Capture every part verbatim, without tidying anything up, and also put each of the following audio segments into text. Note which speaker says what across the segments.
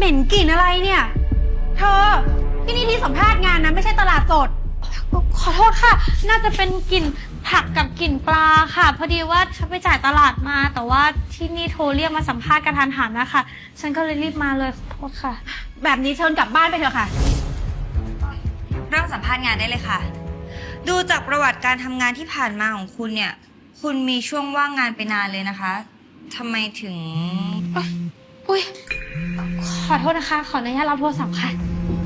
Speaker 1: ม็นกลิ่นอะไรเนี่ยเธอที่นี่ที่สัมภาษณ์งานนะไม่ใช่ตลาดสด
Speaker 2: ขอโทษค่ะน่าจะเป็นกลิ่นผักกับกลิ่นปลาค่ะพอดีว่าฉันไปจ่ายตลาดมาแต่ว่าที่นี่โทรเรียกมาสัมภาษณ์กระทันหันนะคะฉันก็เลยรีบมาเลยขอโทษค่ะ
Speaker 1: แบบนี้เชิญกลับบ้านไปเถอะค่ะ
Speaker 3: เริ่มสัมภาษณ์งานได้เลยค่ะดูจากประวัติการทำงานที่ผ่านมาของคุณเนี่ยคุณมีช่วงว่างงานไปนานเลยนะคะทำไมถึง
Speaker 2: อุ้ยขอโทษนะคะขออนุญาตรับโทรศัพท์ค่ะ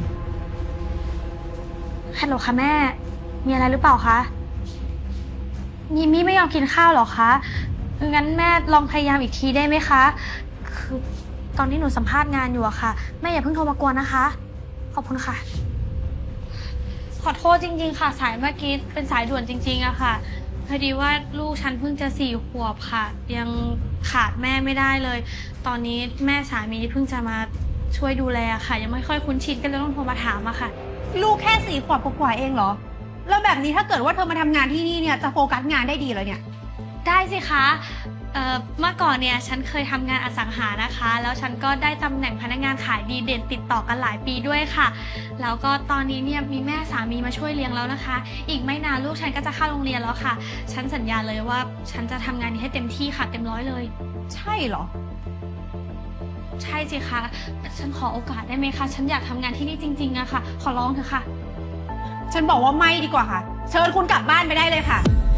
Speaker 2: ฮัลโหลค่ะแม่มีอะไรหรือเปล่าคะยิมี่ไม่ยอมกินข้าวหรอคะงั้นแม่ลองพยายามอีกทีได้ไหมคะคือตอนนี้หนูสัมภาษณ์งานอยู่อะค่ะแม่อย่าเพิ่งโทรมากวนนะคะขอบคุณค่ะขอโทษจริงๆค่ะสายเมื่อกี้เป็นสายด่วนจริงๆอะค่ะพอดีว่าลูกฉันเพิ่งจะสี่ขวบค่ะยังขาดแม่ไม่ได้เลยตอนนี้แม่สามีเพิ่งจะมาช่วยดูแลค่ะยังไม่ค่อยคุ้นชินก็เลยต้องโทรมาถามอะค่ะ
Speaker 1: ลูกแค่สี่ขวบกว่าเองเหรอแล้วแบบนี้ถ้าเกิดว่าเธอมาทำงานที่นี่เนี่ยจะโฟกัสงานได้ดีเลยเนี่ย
Speaker 2: ได้สิคะเอ่อเมื่อก่อนเนี่ยฉันเคยทำงานอสังหานะคะแล้วฉันก็ได้ตำแหน่งพนักงานขายดีเด่นติดต่อกันหลายปีด้วยค่ะแล้วก็ตอนนี้เนี่ยมีแม่สามีมาช่วยเลี้ยงแล้วนะคะอีกไม่นานลูกฉันก็จะเข้าโรงเรียนแล้วค่ะฉันสัญญาเลยว่าฉันจะทำงานนี้ให้เต็มที่ค่ะเต็มร้อยเลย
Speaker 1: ใช่เหรอ
Speaker 2: ใช่สิคะฉันขอโอกาสได้ไหมคะฉันอยากทำงานที่นี่จริงๆอะค่ะขอร้องเถอะค่ะ
Speaker 1: ฉันบอกว่าไม่ดีกว่าค่ะเชิญคุณกลับบ้านไปได้เลยค่ะ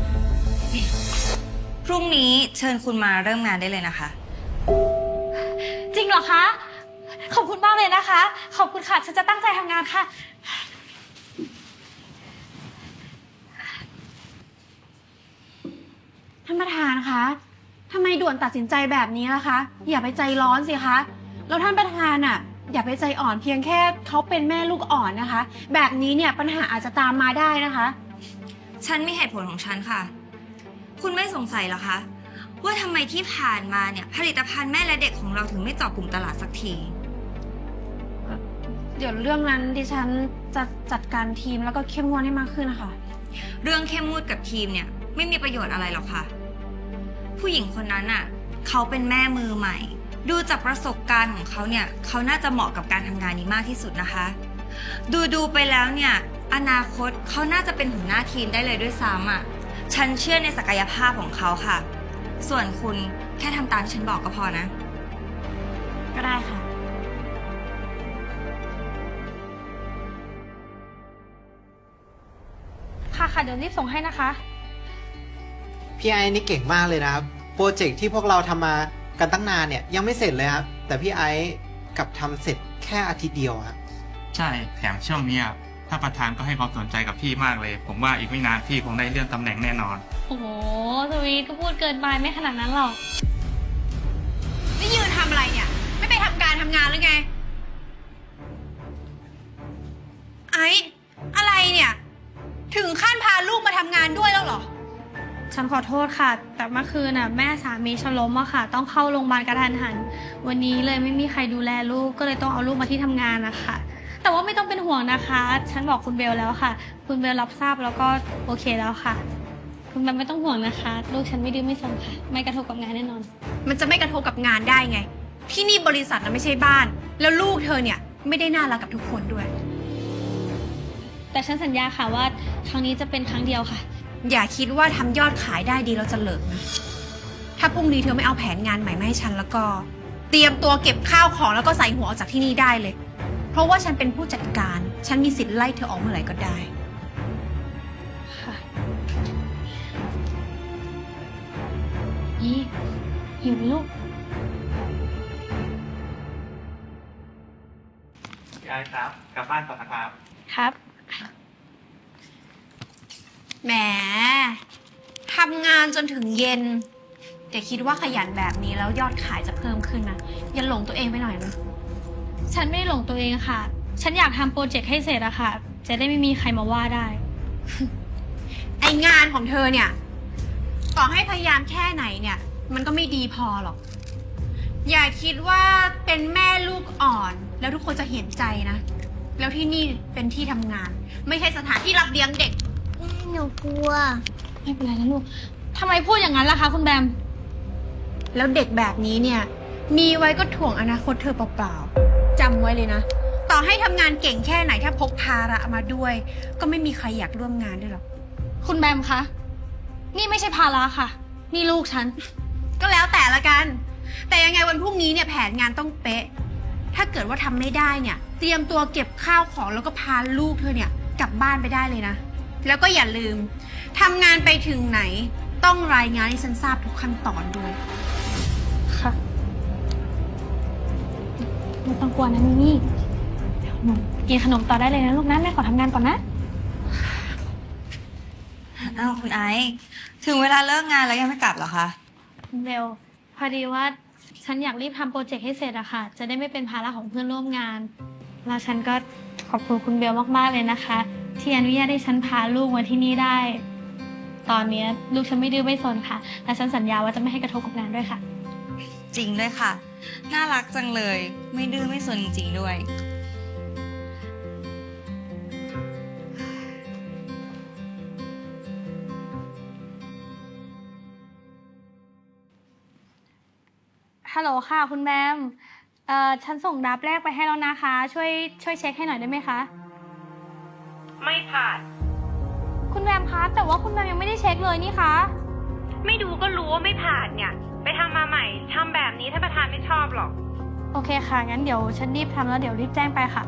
Speaker 3: พรุ่งนี้เชิญคุณมาเริ่มงานได้เลยนะคะ
Speaker 2: จริงเหรอคะขอบคุณมากเลยนะคะขอบคุณค่ะฉันจะตั้งใจทำงานค่ะ
Speaker 1: ท่านประธานคะทำไมด่วนตัดสินใจแบบนี้ล่ะคะอย่าไปใจร้อนสิคะแล้วท่านประธานอ่ะอย่าไปใจอ่อนเพียงแค่เขาเป็นแม่ลูกอ่อนนะคะแบบนี้เนี่ยปัญหาอาจจะตามมาได้นะคะ
Speaker 3: ฉันมีเหตุผลของฉันค่ะคุณไม่สงสัยเหรอคะว่าทำไมที่ผ่านมาเนี่ยผลิตภัณฑ์แม่และเด็กของเราถึงไม่เจาะกลุ่มตลาดสักที
Speaker 1: เดี๋ยวเรื่องนั้นดิฉันจะจัดการทีมแล้วก็เข้มงวดให้มากขึ้นนะคะ
Speaker 3: เรื่องเข้มงวดกับทีมเนี่ยไม่มีประโยชน์อะไรหรอกค่ะผู้หญิงคนนั้นอ่ะเขาเป็นแม่มือใหม่ดูจากประสบการณ์ของเขาเนี่ยเขาน่าจะเหมาะกับการทำงานนี้มากที่สุดนะคะดูดูไปแล้วเนี่ยอนาคตเขาน่าจะเป็นหัวหน้าทีมได้เลยด้วยซ้ำอ่ะฉันเชื่อในศักยภาพของเขาค่ะส่วนคุณแค่ทำตามฉันบอกก็พอนะ
Speaker 1: ก็ได้ค่ะ
Speaker 2: ค่ะค่ะเดี๋ยวรีบส่งให้นะคะ
Speaker 4: พี่ไอ้นี่เก่งมากเลยนะครับโปรเจกต์ที่พวกเราทำมากันตั้งนานเนี่ยยังไม่เสร็จเลยครับแต่พี่ไอ้กลับทำเสร็จแค่อาทิตย์เดียวครับ
Speaker 5: ใช่แถมช่วงนี้ถ้าประธานก็ให้ความสนใจกับพี่มากเลยผมว่าอีกไม่นานพี่คงได้เลื่อนตำแหน่งแน่นอน
Speaker 2: โอ้โหสวีทก็พูดเกินไปไม่ขนาดนั้นหรอก
Speaker 1: นี่ยืนทำอะไรเนี่ยไม่ไปทำการทำงานหรือไงไอ้อะไรเนี่ยถึงขั้นพาลูกมาทำงานด้วยแล้วเหรอ
Speaker 2: ฉันขอโทษค่ะแต่เมื่อคืนน่ะแม่สามีฉันล้มอะค่ะต้องเข้าโรงพยาบาลกระทันหันวันนี้เลยไม่มีใครดูแลลูกก็เลยต้องเอาลูกมาที่ทำงานนะคะแต่ว่าไม่ต้องเป็นห่วงนะคะฉันบอกคุณเบลแล้วค่ะคุณเบลรับทราบแล้วก็โอเคแล้วค่ะคุณเบลไม่ต้องห่วงนะคะลูกฉันไม่ดื้อไม่ซนค่ะไม่กระทบกับงานแน่นอน
Speaker 1: มันจะไม่กระทบกับงานได้ไงที่นี่บริษัทนะไม่ใช่บ้านแล้วลูกเธอเนี่ยไม่ได้น่ารักกับทุกคนด้วย
Speaker 2: แต่ฉันสัญญาค่ะว่าครั้งนี้จะเป็นครั้งเดียวค่ะ
Speaker 1: อย่าคิดว่าทำยอดขายได้ดีเราจะเลิกนะถ้าพรุ่งนี้เธอไม่เอาแผนงานใหม่มาให้ฉันแล้วก็เตรียมตัวเก็บข้าวของแล้วก็ใส่หัวออกจากที่นี่ได้เลยเพราะว่าฉันเป็นผู้จัดการฉันมีสิทธิ์ไล่เธอออกเมื่อไหร่ก็ได้
Speaker 2: ค่ะยี่หิวลูก
Speaker 5: ยายครับกลับบ้านก่อนนะครับ
Speaker 2: ครับ
Speaker 1: แหมทำงานจนถึงเย็นแต่คิดว่าขยันแบบนี้แล้วยอดขายจะเพิ่มขึ้นนะอย่าหลงตัวเองไปหน่อยนะ
Speaker 2: ฉันไม่ได้หลงตัวเองค่ะฉันอยากทำโปรเจกต์ให้เสร็จอะค่ะจะได้ไม่มีใครมาว่าได้
Speaker 1: ไองานของเธอเนี่ยต่อให้พยายามแค่ไหนเนี่ยมันก็ไม่ดีพอหรอกอย่าคิดว่าเป็นแม่ลูกอ่อนแล้วทุกคนจะเห็นใจนะแล้วที่นี่เป็นที่ทำงานไม่ใช่สถานที่รับเลี้ยงเด็ก
Speaker 2: หนูกลัวไม่เป็นไรนะลูกทำไมพูดอย่างนั้นล่ะคะคุณแบม
Speaker 1: แล้วเด็กแบบนี้เนี่ยมีไว้ก็ถ่วงอนาคตเธอเปล่าๆจจำไว้เลยนะ ต่อให้ทำงานเก่งแค่ไหนถ้าพกภาระมาด้วย ก็ไม่มีใครอยากร่วมงานด้วยหรอก
Speaker 2: คุณแบมคะ นี่ไม่ใช่ภาระค่ะ นี่ลูกฉัน
Speaker 1: ก็แล้วแต่ละกัน แต่ยังไงวันพรุ่งนี้เนี่ยแผนงานต้องเป๊ะ ถ้าเกิดว่าทำไม่ได้เนี่ย เตรียมตัวเก็บข้าวของแล้วก็พาลูกเธอเนี่ยกลับบ้านไปได้เลยนะ แล้วก็อย่าลืมทำงานไปถึงไหน ต้องรายงานให้ฉันทราบทุกขั้นตอนด้วย
Speaker 2: ค่ะไม่ต้องกลัวนะมิมี่เดี๋ยวหนูกินขนมต่อได้เลยนะลูกนะแม่ขอทำงานก่อนนะ
Speaker 3: อ้าวคุณไอซ์ถึงเวลาเลิกงานแล้วยังไม่กลับเหรอคะ
Speaker 2: เบลพอดีว่าฉันอยากรีบทำโปรเจกต์ให้เสร็จอะค่ะ จะได้ไม่เป็นภาระของเพื่อนร่วมงาน แล้วฉันก็ขอบคุณคุณเบลมากๆเลยนะคะ ที่อนุญาตให้ฉันพาลูกมาที่นี่ได้ ตอนนี้ลูกฉันไม่ดื้อไม่ซนค่ะ และฉันสัญญาว่าจะไม่ให้กระทบกับงานด้วยค่ะ
Speaker 3: จริงด้วยค่ะ น่ารักจังเลย ไม่ดื้อไม่สนจริงๆด้วย
Speaker 2: ฮัลโหลค่ะคุณแบมเอ่อฉันส่งดับแรกไปให้แล้วนะคะ ช่วยช่วยเช็คให้หน่อยได้ไหมคะ
Speaker 6: ไม่ผ่าน
Speaker 2: คุณแบมคะ แต่ว่าคุณแบมยังไม่ได้เช็คเลยนี่คะ
Speaker 6: ไม่ดูก็รู้ว่าไม่ผ่านเนี่ย ไปทำมาใหม่ทำแบบนี้ท่านประธานไม่ชอบหรอก
Speaker 2: โอเคค่ะ งั้นเดี๋ยวฉันรีบทำแล้วเดี๋ยวรีบแจ้งไปค่ะ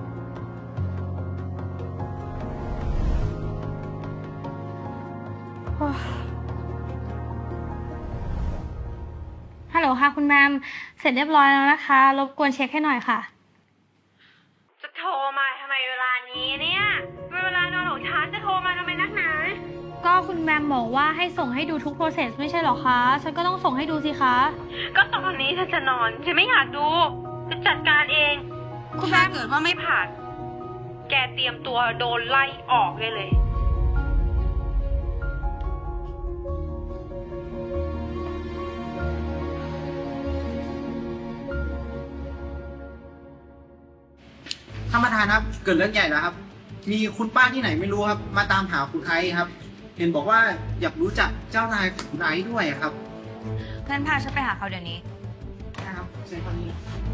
Speaker 2: โอ้ยฮัลโหลค่ะคุณแบมเสร็จเรียบร้อยแล้วนะคะ รบกวนเช็คให้หน่อยค่ะ
Speaker 6: จะโทรมาทำไมเวลานี้เนี่ยเวลานอนของฉันจะโทรมาทำไมนักหนา
Speaker 2: ก็คุณแบมบอกว่าให้ส่งให้ดูทุก process ไม่ใช่หรอคะ ฉันก็ต้องส่งให้ดูสิคะ
Speaker 6: ก็ตอนนี้ฉันจะนอนฉันไม่อยากดูจะจัดการเอง
Speaker 2: คุณแบ
Speaker 6: ถ้าม เกิดว่าไม่ผ่าน แกเตรียมตัวโดนไล่ออกเลยเลย
Speaker 4: ท่านประธานครับ เกิดเรื่องใหญ่แล้วครับ มีคุณป้าที่ไหนไม่รู้ครับ มาตามหาคุณไอซ์ครับ เห็นบอกว่าอยากรู้จักเจ้านายของคุณไอซ์ด้วยครับ
Speaker 3: งั้นพาฉันไปหาเขาเดี๋ยวนี้
Speaker 4: นะครับเชิญคนนี้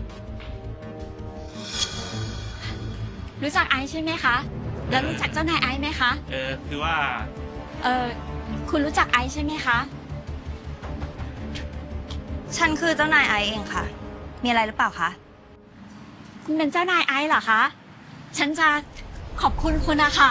Speaker 7: รู้จักไอซ์ใช่ไหมคะ แล้วรู้จักเจ้านายไอซ์ไหมคะ
Speaker 5: เออคือว่า
Speaker 7: เออคุณรู้จักไอซ์ใช่ไหมคะ
Speaker 3: ฉันคือเจ้านายไอซ์เองค่ะ มีอะไรหรือเปล่าคะ
Speaker 7: คุณเป็นเจ้านายไอซ์เหรอคะ ฉันจะขอบคุณคุณนะคะ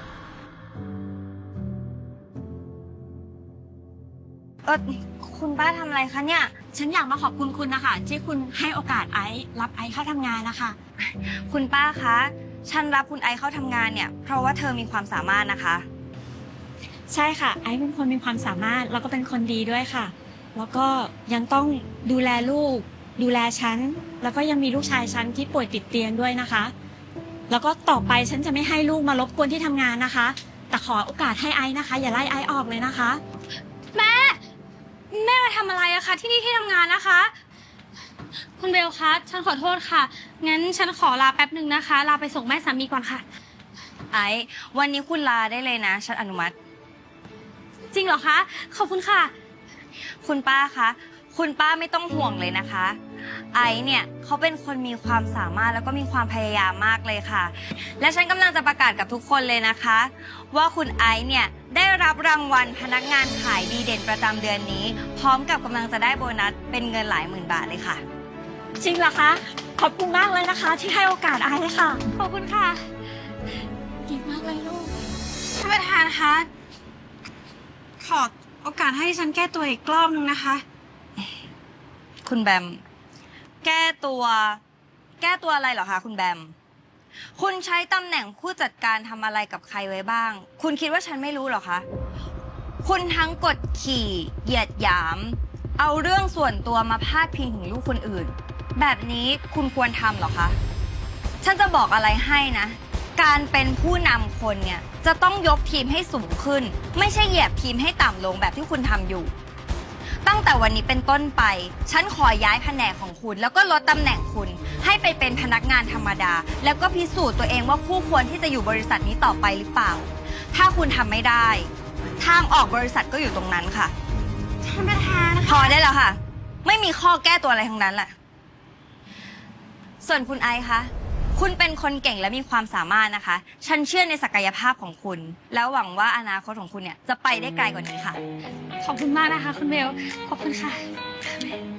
Speaker 3: เออคุณป้าทำอะไรคะเนี่ย
Speaker 7: ฉันอยากมาขอบคุณคุณนะคะที่คุณให้โอกาสไอซ์รับไอซ์เข้าทำงานนะคะ
Speaker 3: คุณป้าคะ ฉันรับคุณไอซ์เข้าทำงานเนี่ย เพราะว่าเธอมีความสามารถนะคะ
Speaker 7: ใช่ค่ะ ไอซ์เป็นคนมีความสามารถแล้วก็เป็นคนดีด้วยค่ะ แล้วก็ยังต้องดูแลลูก ดูแลฉัน แล้วก็ยังมีลูกชายฉันที่ป่วยติดเตียงด้วยนะคะ แล้วก็ต่อไปฉันจะไม่ให้ลูกมารบกวนที่ทำงานนะคะ แต่ขอโอกาสให้ไอซ์นะคะ อย่าไล่ไอซ์ออกเลยนะคะ
Speaker 2: แม่ แม่มาทำอะไรอะคะที่นี่ที่ทำงานนะคะ คุณเบลคะ ฉันขอโทษค่ะ งั้นฉันขอลาแป๊บหนึ่งนะคะ ลาไปส่งแม่สามีก่อนค่ะ
Speaker 3: ไอซ์วันนี้คุณลาได้เลยนะ ฉันอนุมัติ
Speaker 2: จริงเหรอคะ ขอบคุณค่ะ
Speaker 3: คุณป้าคะ คุณป้าไม่ต้องห่วงเลยนะคะ ไอซ์เนี่ยเขาเป็นคนมีความสามารถแล้วก็มีความพยายามมากเลยค่ะ และฉันกำลังจะประกาศกับทุกคนเลยนะคะ ว่าคุณไอซ์เนี่ยได้รับรางวัลพนักงานขายดีเด่นประจำเดือนนี้ พร้อมกับกำลังจะได้โบนัสเป็นเงินหลายหมื่นบาทเลยค่ะ
Speaker 7: จริงเหรอคะ ขอบคุณมากเลยนะคะ ที่ให้โอกาสไอซ์ค่ะ
Speaker 2: ขอบคุณค่ะ
Speaker 7: เก่งมากเลยลูก
Speaker 1: ท่านประธานคะ ขอโอกาสให้ฉันแก้ตัวอีกรอบนึงนะคะ
Speaker 3: คุณแบม แก้ตัว แก้ตัวอะไรเหรอคะคุณแบม คุณใช้ตำแหน่งผู้จัดการทำอะไรกับใครไว้บ้าง คุณคิดว่าฉันไม่รู้เหรอคะ คุณทั้งกดขี่เหยียดหยาม เอาเรื่องส่วนตัวมาพาดพิงถึงลูกคนอื่น แบบนี้คุณควรทำเหรอคะ ฉันจะบอกอะไรให้นะ การเป็นผู้นำคนเนี่ยจะต้องยกทีมให้สูงขึ้น ไม่ใช่เหยียบทีมให้ต่ำลงแบบที่คุณทำอยู่ ตั้งแต่วันนี้เป็นต้นไป ฉันขอย้ายแผนกของคุณ แล้วก็ลดตำแหน่งคุณ ให้ไปเป็นพนักงานธรรมดา แล้วก็พิสูจน์ตัวเองว่าคู่ควรที่จะอยู่บริษัทนี้ต่อไปหรือเปล่า ถ้าคุณทำไม่ได้ ทางออกบริษัทก็อยู่ตรงนั้นค่ะ
Speaker 1: ท่านประธาน
Speaker 3: พอได้แล้วค่ะ ไม่มีข้อแก้ตัวอะไรทั้งนั้นแหละ ส่วนคุณไอซ์คะคุณเป็นคนเก่งและมีความสามารถนะคะ ฉันเชื่อในศักยภาพของคุณ แล้วหวังว่าอนาคตของคุณเนี่ยจะไปได้ไกลกว่านี้ค่ะ
Speaker 2: ขอบคุณมากนะคะ คุณเบล ขอบคุณค่ะ